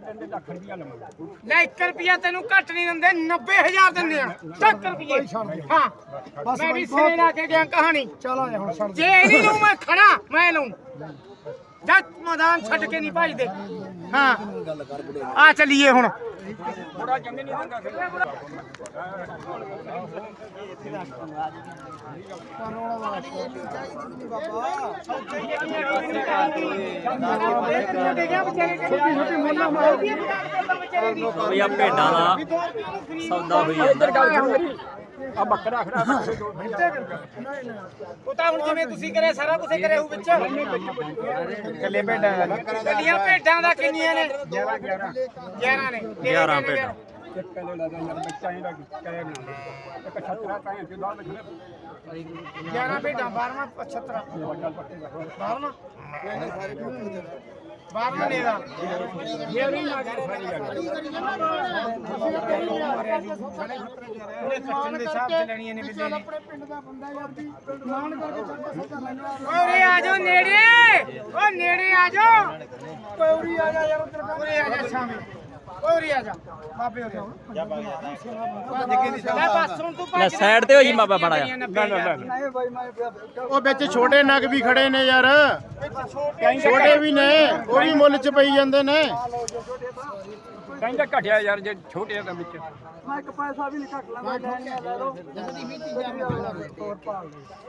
ਲੈ 1 ਰੁਪਿਆ ਤੈਨੂੰ ਘੱਟ ਨਹੀਂ ਦਿੰਦੇ 90000 ਦਿੰਦੇ ਆ 1 ਰੁਪਏ ਹਾਂ ਮੈਂ ਵੀ ਸਿਰੇ ਲਾ ਕੇ ਗਿਆ ਕਹਾਣੀ ਚਲ ਆ ਹੁਣ ਛੱਡ ਜੇ ਇਹਦੀ ਨੂੰ ਮੈਂ ਖੜਾ ਮੈਂ ਲਊਂ ਜੱਟ ਮੈਦਾਨ ਛੱਡ ਕੇ ਨਹੀਂ ਭਜਦੇ ਹਾਂ ਆ ਚੱਲੀਏ ਹੁਣ ਥੋੜਾ ਜੰਮੇ ਨਹੀਂ ਦਿੰਦਾ ਭਈਆ ਭੇਡਾਂ ਦਾ ਸੌਦਾ ਹੋਈ ਜਾਂਦਾ ਆ ਬੱਕਰਾ ਖੜਾ ਉਹ ਤਾਂ ਹੁਣ ਜਿਵੇਂ ਤੁਸੀਂ ਕਰੇ ਸਾਰਾ ਕੁਝ ਕਰੇ ਉਹ ਵਿੱਚ ਕੱਲੇ ਭੇਡਾਂ ਦਾ ਕੱਲੀਆਂ ਭੇਡਾਂ ਦਾ ਕਿੰਨੀਆਂ ਨੇ 11 ਨੇ 11 ਭੇਡਾਂ ਇੱਕ ਕਿਲੋ ਲਾ ਦਾ ਬੱਚਾ ਇਹਦਾ ਕਹਿ ਬਣਾ ਇੱਕ 76 ਕਾਇ ਤੇ 10 ਵਜੇ 11 ਭੇਡਾਂ 12ਵਾਂ 75 12ਵਾਂ 12ਵਾਂ ਨੇ ਦਾ ਇਹ ਨਹੀਂ ਨਾ ਕਰੇ ਉਹਨੇ ਕੱਟਣ ਦੇ ਹਿਸਾਬ ਤੇ ਲੈਣੀਆਂ ਨੇ ਬਿੱਲੇ ਨੇ ਆਪਣੇ ਪਿੰਡ ਦਾ ਬੰਦਾ ਯਾਰ ਦੀ ਮਾਨ ਕਰਕੇ ਚੱਕਾ ਲੈਣਾ ਓਏ ਆ ਜਾਓ ਨੇੜੇ ਓ ਨੇੜੇ ਆ ਜਾਓ ਪੌੜੀ ਆ ਜਾ ਯਾਰ ਉਧਰ ਓਏ ਆ ਜਾ ਸ਼ਾਮੇ ਓਏ ਆ ਜਾ ਬਾਬੇ ਹੋ ਜਾ ਲੈ ਬਸ ਹੁਣ ਤੂੰ ਲੈ ਸਾਈਡ ਤੇ ਹੋ ਜੀ ਬਾਬਾ ਬੜਾ ਜਾ ਨਹੀਂ ਬਾਈ ਮੈਂ ਉਹ ਵਿੱਚ ਛੋਟੇ ਨਗ ਵੀ ਖੜੇ ਨੇ ਯਾਰ ਛੋਟੇ ਵੀ ਨੇ ਉਹ ਵੀ ਮੁੱਲ ਚ ਪਈ ਜਾਂਦੇ ਨੇ ਕਹਿੰਦਾ ਘਟਿਆ ਯਾਰ ਜੇ ਛੋਟੇ ਦਾ ਵਿੱਚ ਮੈਂ ਇੱਕ ਪੈਸਾ ਵੀ ਨਹੀਂ ਘੱਟ ਲਾਂਗਾ ਲੈ ਲਓ ਜਲਦੀ ਵੀ ਹੋਰ ਭਾਲ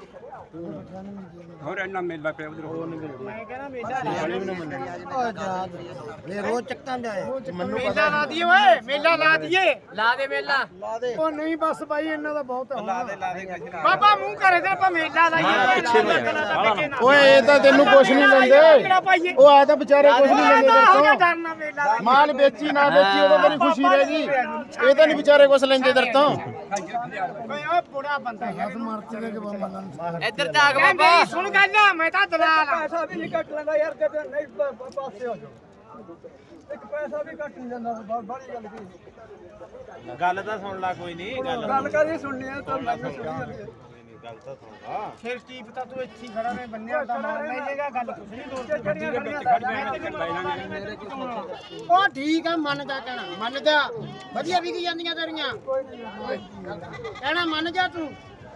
ਹੋਰ ਇੰਨਾ ਮੇਲਾ ਪਿਆ ਉਧਰ ਮੈਂ ਕਹਿੰਦਾ ਮੇਲਾ ਲੈ ਰੋਜ਼ ਚੱਕਾਂ ਦੇ ਆਏ ਮੇਲਾ ਲਾ ਦਈਏ ਓਏ ਮੇਲਾ ਲਾ ਦਈਏ ਲਾ ਦੇ ਮੇਲਾ ਉਹ ਨਹੀਂ ਬਸ ਬਾਈ ਇਹਨਾਂ ਦਾ ਬਹੁਤ ਹੈ ਲਾ ਦੇ ਬਾਬਾ ਮੂੰਹ ਕਰੇ ਤੇ ਆਪਾਂ ਮੇਲਾ ਲਾਈਏ ਓਏ ਇਹ ਤਾਂ ਤੈਨੂੰ ਕੁਛ ਨਹੀਂ ਲੈਂਦੇ ਉਹ ਆ ਤਾਂ ਵਿਚਾਰੇ ਕੁਛ ਨਹੀਂ ਲੈਂਦੇ ਤੇਰੇ ਡਰਨਾ ਮੇਲਾ ਤੋਂ ਮਾਲ ਵੇਚੀ ਨਾ ਵੇਚੀ ਉਹਦਾ ਮੇਰੀ ਖੁਸ਼ੀ ਰਹੇਗੀ ਇਹ ਤਾਂ ਨਹੀਂ ਵਿਚਾਰੇ ਕੁਛ ਲੈਂਦੇ ਤੇਰੇ ਤੋਂ ਓਏ ਓ ਬੁੜਾ ਬੰਦਾ ਯਾਰ ਮਰਤੇ ਦੇ ਕੇ ਬੰਦਾ ਇੱਧਰ ਜਾਗ ਬਾਬਾ ਸੁਣ ਗੱਲ ਮੈਂ ਤਾਂ ਦਲਾਲ ਆ ਪੈਸਾ ਵੀ ਨਹੀਂ ਘੱਟ ਲੈਂਦਾ ਯਾਰ ਕਦੇ ਨਹੀਂ ਪਾਸੇ ਹੋ ਜਾਓ ਇੱਕ ਪੈਸਾ ਵੀ ਘੱਟ ਨਹੀਂ ਜਾਂਦਾ ਬੜੀ ਗੱਲ ਕੀ ਗੱਲ ਤਾਂ ਸੁਣ ਲੈ ਕੋਈ ਨਹੀਂ ਗੱਲ ਕਰੀ ਸੁਣਨੀ ਆ ਤਾਂ ਮੈਨੂੰ ਸੁਣੀ ਜਾਂਦੀ ਹੈ ਗੱਲ ਤਾਂ ਸੁਣ ਲਾ ਫਿਰ ਕੀ ਪਤਾ ਤੂੰ ਇੱਥੇ ਹੀ ਖੜਾ ਵੇਂ ਬੰਨਿਆ ਤਾਂ ਮਾਰ ਲੈ ਜੇਗਾ ਗੱਲ ਕੁਛ ਨਹੀਂ ਦੋਸਤ ਉਹ ਠੀਕ ਆ ਮੰਨਦਾ ਕਹਿਣਾ ਮੰਨਦਾ ਵਧੀਆ ਵਿਕ ਜਾਂਦੀਆਂ ਤੇਰੀਆਂ ਕਹਿਣਾ ਮੰਨ ਜਾ ਤੂੰ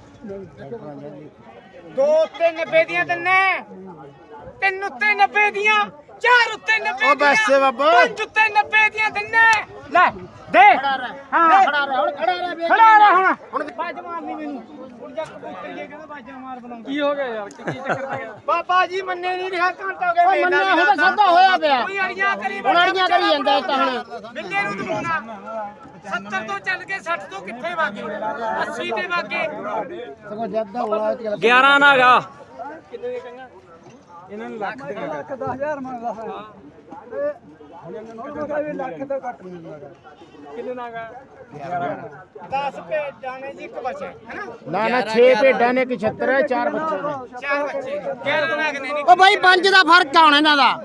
2 ਉੱਤੇ 90 ਦੀਆਂ ਤਿੰਨੇ 3 ਉੱਤੇ 90 ਦੀਆਂ 4 ਉੱਤੇ 90 ਉਹ ਬਸ ਬਾਬਾ 5 ਉੱਤੇ 90 ਦੀਆਂ ਤਿੰਨੇ ਲੈ ਦੇ ਹਾਂ ਖੜਾ ਰਹਿ ਹੁਣ ਖੜਾ ਰਹਿ ਵੇਖ ਖੜਾ ਰਹਿ ਹੁਣ ਬਾਜ ਮਾਰਨੀ ਮੈਨੂੰ ਹੁਣ ਜਾ ਕਬੂਤਰੀਏ ਕਹਿੰਦਾ ਬਾਜਾਂ ਮਾਰ ਬਣਾਉਂਦਾ ਕੀ ਹੋ ਗਿਆ ਯਾਰ ਕੀ ਚੱਕਰ ਪੈ ਗਿਆ ਬਾਬਾ ਜੀ ਮੰਨੇ ਨਹੀਂ ਰਿਹਾ ਘੰਟਾ ਹੋ ਗਿਆ ਉਹ ਮੰਨਿਆ ਹੋਇਆ ਸੌਦਾ ਹੋਇਆ ਪਿਆ ਕੋਈ ਅੜੀਆਂ ਕਰੀ ਹੁਣ ਅੜੀਆਂ ਕਰੀ ਜਾਂਦਾ ਇਹ ਤਾਂ ਹੁਣ ਬਿੱਲੇ ਨੂੰ ਦਵਾਉਣਾ 70 ਤੋਂ ਚੱਲ ਕੇ 60 ਤੋਂ ਕਿੱਥੇ ਵਾਗੇ 80 ਤੇ ਵਾਗੇ ਸਗੋਂ ਜਦ ਦਾ ਹੋਲਾ 11 ਨਾ ਗਾ ਕਿੰਨੇ ਦੇ ਕਹਿੰਗਾ ਇਹਨਾਂ ਨੂੰ ਲੱਖ ਦੇ ਲੱਖ 10,000 ਮੰਗਦਾ ਹੈ ਹੁਣ ਇਹਨਾਂ ਨੂੰ ਲੱਖ ਤੋਂ ਘੱਟ ਨਹੀਂ ਮੰਗਦਾ ਕਿੰਨੇ ਨਾਗਾ 10 ਪੇ ਜਾਣੇ ਜੀ ਇੱਕ ਬੱਚਾ ਹੈਨਾ ਨਾ ਨਾ 6 ਭੇਡਾਂ ਨੇ ਕਿ 76 ਹੈ 4 ਬੱਚੇ ਨੇ 4 ਬੱਚੇ ਗੈਰ ਬਣਾ ਕੇ ਨਹੀਂ ਉਹ ਬਾਈ 5 ਦਾ ਫਰਕ ਆ ਹੁਣ ਇਹਨਾਂ ਦਾ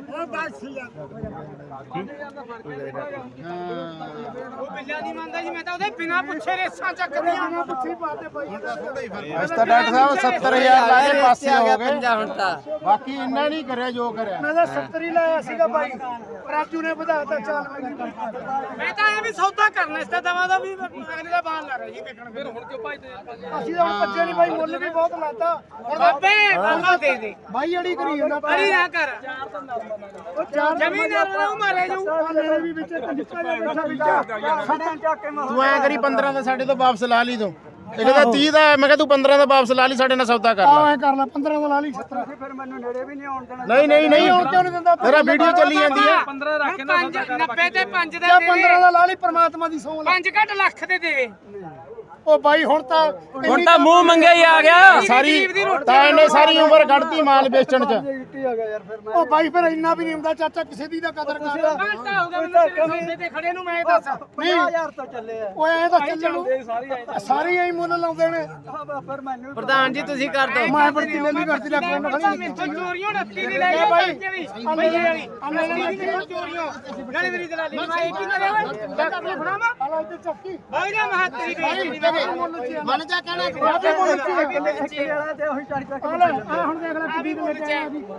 ਉਹ ਬਿੱਲਾ ਨਹੀਂ ਮੰਨਦਾ ਜੀ ਮੈਂ ਤਾਂ ਉਹਦੇ ਬਿਨਾ ਪੁੱਛੇ ਰੇਸਾਂ ਚੱਕਦੀਆਂ ਨਾ ਪੁੱਛੀ ਪਾਤੇ ਬਾਈ ਇਸ ਤਾਂ ਡਾਕਟਰ ਸਾਹਿਬ 70000 ਲਾਏ ਪਾਸੇ ਹੋ ਗਏ ਹੁਣ ਤਾਂ ਬਾਕੀ ਇੰਨਾ ਨਹੀਂ ਕਰਿਆ ਜੋ ਕਰਿਆ ਮੈਂ ਤਾਂ 70 ਹੀ ਲਾਇਆ ਸੀਗਾ ਬਾਈ ਰਾਜੂ ਨੇ ਵਧਾਤਾ ਚੱਲ ਮੈਂ ਤਾਂ ਇਹ ਵੀ ਸੌਦਾ ਕਰਨਾ ਇਸ ਤੇ ਦਵਾ ਦਾ ਵੀ ਅਗਲੇ ਦਾ ਬਾਣ ਲਾ ਰਿਹਾ ਜੀ ਵੇਖਣ ਫਿਰ ਹੁਣ ਕਿਉਂ ਭਜਦੇ ਅਸੀਂ ਤਾਂ ਹੁਣ ਭੱਜੇ ਨਹੀਂ ਬਾਈ ਮੁੱਲ ਵੀ ਬਹੁਤ ਲਾਤਾ ਹੁਣ ਬਾਬੇ ਬਾਬਾ ਦੇ ਦੇ ਬਾਈ ਅੜੀ ਕਰੀ ਜਾਂਦਾ ਅੜੀ ਨਾ ਕਰ ਉਹ ਚਾਰ ਜ਼ਮੀਨ ਨਾਲ ਮਾਰੇ ਜਾਊ ਮੇਰੇ ਵੀ ਵਿੱਚ ਇੱਕ ਨਿੱਕਾ ਜਿਹਾ ਬੈਠਾ ਵਿੱਚ ਸਾਡੇ ਚੱਕ ਕੇ ਤੂੰ ਐ ਕਰੀ 15 ਦਾ ਸਾਡੇ ਤੋਂ ਵਾਪਸ ਲਾ ਲਈ ਤੂੰ ਇਹ ਕਹਿੰਦਾ 30 ਦਾ ਮੈਂ ਕਿਹਾ ਤੂੰ 15 ਦਾ ਵਾਪਸ ਲਾ ਲਈ ਸਾਡੇ ਨਾਲ ਸੌਦਾ ਕਰ ਲੈ ਐ ਕਰ ਲੈ 15 ਦਾ ਲਾ ਲਈ 17 ਫਿਰ ਮੈਨੂੰ ਨੇੜੇ ਵੀ ਨਹੀਂ ਆਉਣ ਦੇਣਾ ਨਹੀਂ ਆਉਣ ਕਿਉਂ ਨਹੀਂ ਦਿੰਦਾ ਤੇਰਾ ਵੀਡੀਓ ਚੱਲੀ ਜਾਂਦੀ ਹੈ 15 ਰੱਖ ਕੇ 90 ਤੇ 5 ਜਾਂ ਦੇ 15 ਦਾ ਲਾ ਲਈ ਪ੍ਰਮਾਤਮਾ ਦੀ ਸੌਂ 5 ਘੱਟ ਲੱਖ ਦੇ ਦੇਵੇ ਉਹ ਬਾਈ ਹੁਣ ਤਾਂ ਮੂੰਹ ਮੰਗਿਆ ਹੀ ਆ ਗਿਆ ਸਾਰੀ ਤਾਂ ਇਹਨੇ ਸਾਰੀ ਉਮਰ ਕੱਢਤੀ ਮਾਲ ਵੇਚਣ ਚ ਗਿੱਟੀ ਆ ਗਿਆ ਯਾਰ ਫਿਰ ਮੈਂ ਉਹ ਬਾਈ ਫਿਰ ਇੰਨਾ ਵੀ ਨਹੀਂ ਹੁੰਦਾ ਚਾਚਾ ਕਿਸੇ ਦੀ ਦਾ ਕਦਰ ਕਰ ਘੰਟਾ ਹੋ ਗਿਆ ਮੈਨੂੰ ਤੇਰੇ ਤੇ ਖੜੇ ਨੂੰ ਮੈਂ ਦੱਸ 50000 ਤੋਂ ਚੱਲੇ ਆ ਓਏ ਐ ਤਾਂ ਚੱਲਣ ਸਾਰੇ ਐਂ ਮੁੱਲ ਲਾਉਂਦੇ ਨੇ ਫਿਰ ਮੈਨੂੰ ਪ੍ਰਧਾਨ ਜੀ ਤੁਸੀਂ ਕਰ ਦਿਓ ਮੈਂ ਪਰ ਕਿੰਨੇ ਨਹੀਂ ਕਰਦੀ ਲੈ ਕੋਈ ਨਾ ਮਿੱਥੋਂ ਚੋਰੀਆਂ 29 ਦੀ ਲੈ ਗਏ ਬਈਏ ਵਾਲੀ ਚੋਰੀਆਂ ਨਾਲੇ ਮੇਰੀ ਦਲਾਲੀ ਮੈਂ ਇੱਕ ਹੀ ਕਰਿਆ ਓਏ ਦੱਸ ਆਪਣੇ ਫੜਾਵਾ ਆਲਾ ਤੇ ਚੱਕੀ ਬਾਈ ਦਾ ਮਹੱਤਰੀ ਵੇਚਦੀ ਮਨ ਜਾ ਕਹਿਣਾ ਵਾਲਾ ਤੇ ਉਹੀ ਚੜ ਚੜ ਆ ਹੁਣ ਦੇਖ ਲੈ ਕਿੱਡੀ ਦੇ ਵਿੱਚ ਆਇਆ ਵੀ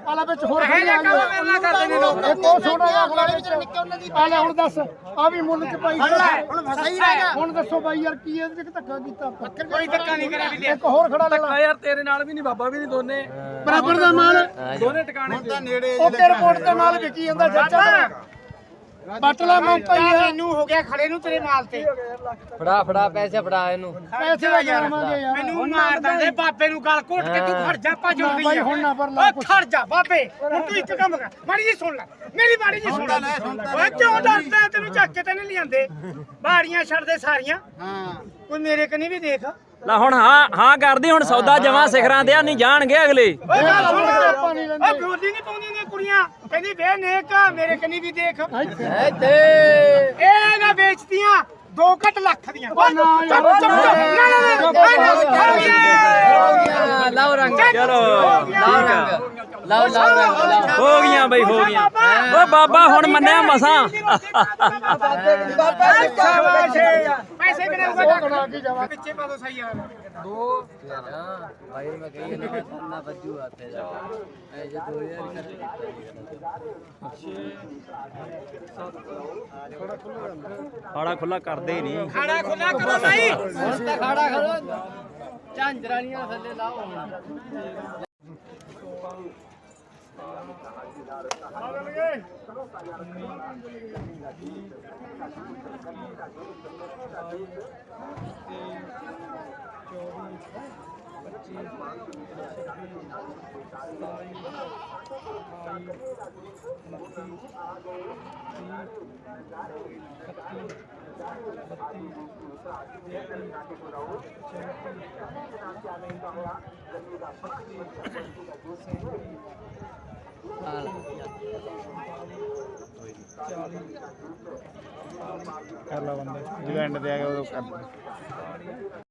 ਆਲਾ ਵਿੱਚ ਹੋਰ ਇਹ ਖੜੀ ਜੇ ਆ ਕੰਮ ਮੇਰੇ ਨਾਲ ਕਰਦੇ ਨੇ ਲੋਕ ਇੱਕ ਉਹ ਛੋਟਾ ਜਿਹਾ ਅਗਲਾ ਵਿੱਚ ਵਿੱਚ ਨਿੱਕੇ ਉਹਨਾਂ ਦੀ ਆਲਾ ਹੁਣ ਦੱਸ ਆ ਵੀ ਮੁੱਲ ਚ ਪਾਈ ਹੁਣ ਸਹੀ ਰਹੇਗਾ ਹੁਣ ਦੱਸੋ ਬਾਈ ਯਾਰ ਕੀ ਇਹਦੇ ਵਿੱਚ ਧੱਕਾ ਕੀਤਾ ਆਪਾਂ ਕੋਈ ਧੱਕਾ ਨਹੀਂ ਕਰਿਆ ਵੀ ਲਿਆ ਇੱਕ ਹੋਰ ਖੜਾ ਲੈ ਲਾ ਯਾਰ ਤੇਰੇ ਨਾਲ ਵੀ ਨਹੀਂ ਬਾਬਾ ਵੀ ਨਹੀਂ ਦੋਨੇ ਬਰਾਬਰ ਦਾ ਮਾਲ ਦੋਨੇ ਟਿਕਾਣੇ ਓਕੇ ਰਿਪੋਰਟ ਤੇ ਮਾਲ ਵਿਕੀ ਜਾਂਦਾ ਚਾਚਾ ਬਟਲਾ ਮੈਂ ਤਾਂ ਪਈ ਮੈਨੂੰ ਹੋ ਗਿਆ ਖੜੇ ਨੂੰ ਤੇਰੇ ਮਾਲ ਤੇ ਫੜਾ ਪੈਸੇ ਫੜਾ ਇਹਨੂੰ ਪੈਸੇ ਦਾ ਜਾਵਾਂਗੇ ਯਾਰ ਮੈਨੂੰ ਮਾਰਦਾ ਦੇ ਬਾਬੇ ਨੂੰ ਗਲ ਘੁੱਟ ਕੇ ਤੂੰ ਖੜ ਜਾ ਭੱਜ ਉੱਡੀ ਬਾਈ ਹੁਣ ਨਾ ਪਰ ਲਾ ਓ ਖੜ ਜਾ ਬਾਬੇ ਹੁਣ ਤੂੰ ਇੱਕ ਕੰਮ ਕਰ ਮਾੜੀ ਜੀ ਸੁਣ ਲੈ ਮੇਰੀ ਮਾੜੀ ਜੀ ਸੁਣ ਲੈ ਓਏ ਕਿਉਂ ਡਰਦਾ ਤੈਨੂੰ ਚੱਕ ਕੇ ਤੇ ਨਹੀਂ ਲਿਆਂਦੇ ਬਾੜੀਆਂ ਛੱਡ ਦੇ ਸਾਰੀਆਂ ਹਾਂ ਕੋਈ ਮੇਰੇ ਕਨੀ ਵੀ ਦੇਖ ਲੈ ਹੁਣ ਹਾਂ ਕਰਦੀ ਹੁਣ ਸੌਦਾ ਜਮਾ ਸਿਖਰਾਂ ਤੇ ਨਹੀਂ ਜਾਣਗੇ ਅਗਲੇ ਓਏ ਗੱਲ ਸੁਣ ਆਪਾਂ ਨਹੀਂ ਲੈਂਦੇ। ਓਏ ਬੋਲੀ ਨਹੀਂ ਪਾਉਂਦੀਆਂ ਨੇ ਕੁੜੀਆਂ ਕਹਿੰਦੀ ਵੇ ਨੇਕ ਮੇਰੇ ਕਨੀ ਵੀ ਦੇਖ ਇਹ ਨਾ ਵੇਚਦੀਆਂ 2 ਲੱਖ ਦੀਆਂ ਨਾ ਯਾਰ। ਲਾਓ ਰੰਗ ਚਲੋ ਲਾਓ ਰੰਗ ਲਾਓ ਰੰਗ ਹੋ ਗਈਆਂ ਬਈ ਹੋ ਗਈਆਂ ਓ ਬਾਬਾ ਹੁਣ ਮੰਨਿਆ ਮਸਾਂ ਪੈਸੇ ਕਿਨੇ ਬਣਾ ਕੇ ਜਾਵਾਂ ਪਿੱਛੇ ਪਾ ਦੋ ਸਹੀ ਯਾਰ ਭਾਈ ਮੈਂ ਕਹੀ ਨਾ ਬੱਜੂ ਆਤੇ ਜਾ ਐ ਜੇ 2000 ਖਾੜਾ ਖੁੱਲਾ ਕਰਦੇ ਹੀ ਨਹੀਂ ਖਾੜਾ ਖੁੱਲਾ ਕਰੋ ਨਹੀਂ ਹੁਣ ਤਾਂ ਖਾੜਾ ਕਰੋ ਝਾਂਜਰਾਣੀਆਂ ਥੱਲੇ ਲਾਓ ਹੁਣ ਕਰ ਲਾ ਬੰਦੇ ਜਿਹੜਾ ਐਂਡ ਤੇ ਆ ਗਿਆ ਉਹ ਕਰ